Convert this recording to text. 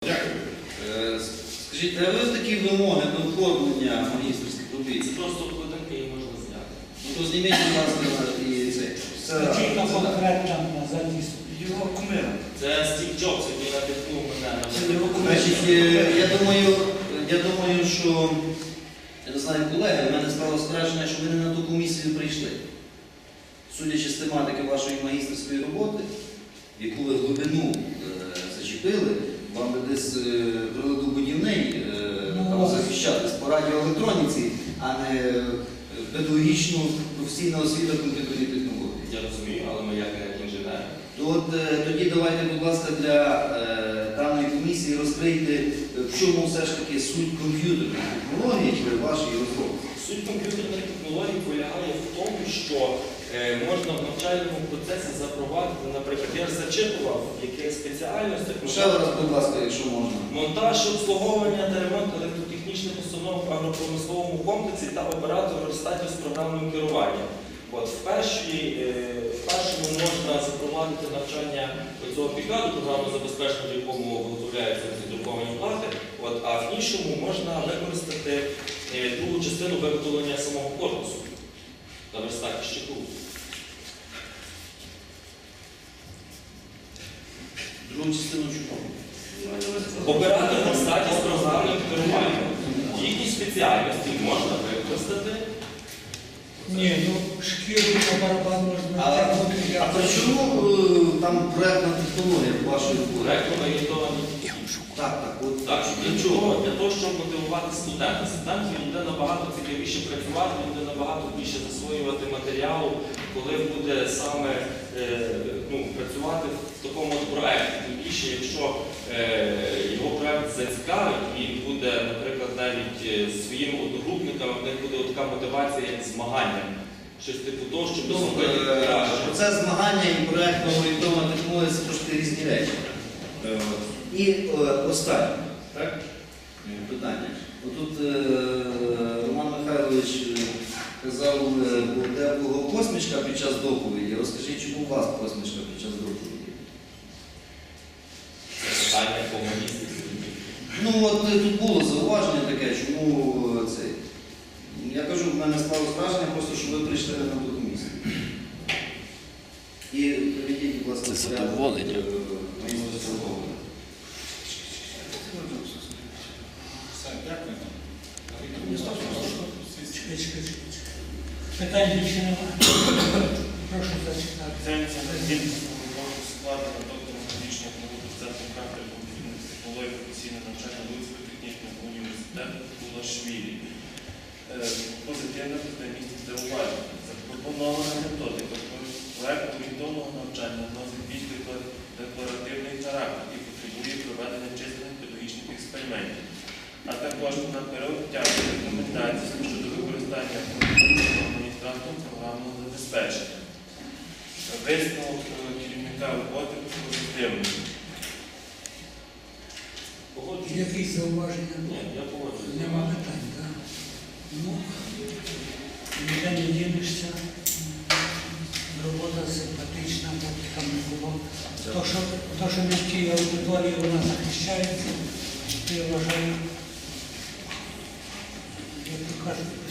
Дякую. Скажіть, а ви такі вимоги до оформлення магістерських робіт? Це просто вкладинки, її можна зняти. Ну то зніміть, будь ласка, і це. Скажіть на конкретно на задіст. Його кумира. Це Стів Джобс, який надихнув мене на Значить, я думаю, що, я не знаю, колеги, в мене склалося враження, що ви не на ту комісію прийшли. Судячи з тематики вашої магістерської роботи, яку ви глибину зачепили, вам би десь приладобудівний там захищатись по радіоелектроніці, а не педагогічну професійну освіту комп'ютерні технології. Я розумію, але ми як інженери. Тоді давайте, будь ласка, для даної комісії розкрийте, в чому все ж таки суть комп'ютерної технології при вашій розробці. Суть комп'ютерної технології полягає в тому, що можна в навчальному процесі запровадити, наприклад, я ж зачитував, яких спеціальностях. Ще раз, будь ласка, якщо можна. Монтаж, обслуговування та ремонт електротехнічних установок в агропромисловому комплексі та оператор верстатів з програмним керуванням. От, в першому можна запровадити навчання цього підкладу, програмного забезпечення, в якому виготовляються друковані плати, а в іншому можна використати другу частину виготовлення самого корпусу на верстаті щиту. Другу частину чого? Оператор верстаті з програмним керуванням. Їхні спеціальності можна використати. Ні, ну шкіру на барабан можна А при чому там проєктна технологія вашої роботи? Проєктно орієнтовані. Так, Для чого? Для того, щоб мотивувати студента. Студенту буде набагато цікавіше працювати, він буде набагато більше засвоювати матеріалу, коли буде саме працювати в такому проєкті. Тим більше, якщо його проєкт зацікавить, він буде, наприклад, навіть своїм одногрупникам, в них буде така мотивація, як змагання. Щось типу того, щоб зробити краще. Процес змагання і проєктно орієнтована технологія – це трошки різні речі. І останнє питання. Отут Роман Михайлович казав, де була посмішка під час доповіді. Розкажіть, чому у вас посмішка під час доповіді? Це питання по магістрі. Ну от тут було зауваження таке, чому це. Я кажу, в мене склалося враження, просто що ви прийшли на ту комісію. І приведіть, будь ласка, задоволення. Питань більше немає. Прошу зачитати. Це складу на доктору медичних наук Центру кафедри комп'ютерних технологій професійного навчання Луцького технічного університету Кулашвілі. Позитивне місце здивування. Запропонована методика проєкту орієнтовного навчання носить більш декларативний характер і потребує проведення численних педагогічних експериментів, а також на період тягнення рекомендацій щодо використання адміністрантом програмного забезпечення. Висновок керівника роботи позитивний. Якісь зауваження? Ні, я погоджуюсь. Нема питань, так? Ну, ніде не дінешся. Робота симпатична, там не було. То, що не в тій аудиторії вона захищається, то я вважаю, як то кажуть,